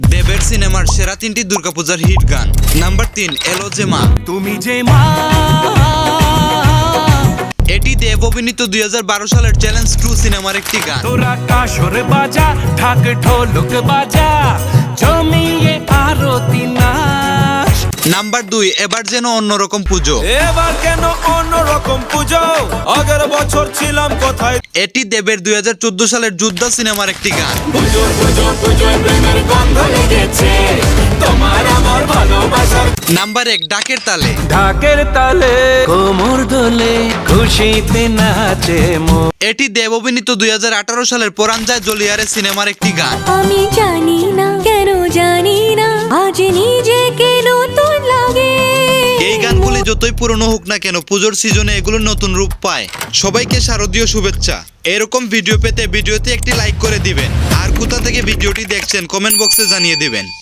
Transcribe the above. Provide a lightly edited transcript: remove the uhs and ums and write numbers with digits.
দেবের সিনেমার সেরা 3টি দুর্গাপূজার হিট গান। নাম্বার 3, এলো যে মা। তুমি যে মা। এটি দেব অভিনীত 2012 সালের চ্যালেঞ্জ 2 সিনেমার একটি গান। তোরা কাসর বাজা, ঢাক ঢোলক বাজা, জমিয়ে আরতি নাচ। নাম্বার 2, এবার যেন অন্যরকম পুজো। এবার কেন অন্যরকম পুজো, আগের বছর ছিলাম কোথায়। এটি দেবের 2014 সালের যোদ্ধা সিনেমার একটি গান। পুজো পুজো পুজো প্রেমের গন্ধ লেগেছে, তোমার আমার ভালোবাসার। নাম্বার 1, ডাকের তালে। ঢাকের তালে কোমর দোলে, খুশিতে নাচে মন। এটি দেব অভিনীত 2018 সালের পরাণ যায় জলিয়ারে সিনেমার একটি গান। আমি জানি না কেন জানি না আজ নিজেকে নতুন লাগে। এই গানগুলি যতই পুরনো হোক না কেন, পুজোর সিজনে এগুলো নতুন রূপ পায়। সবাইকে শারদীয় শুভেচ্ছা। এরকম ভিডিও পেতে ভিডিওতে একটি লাইক করে দিবেন, আর কোথা থেকে ভিডিওটি দেখছেন কমেন্ট বক্সে জানিয়ে দিবেন।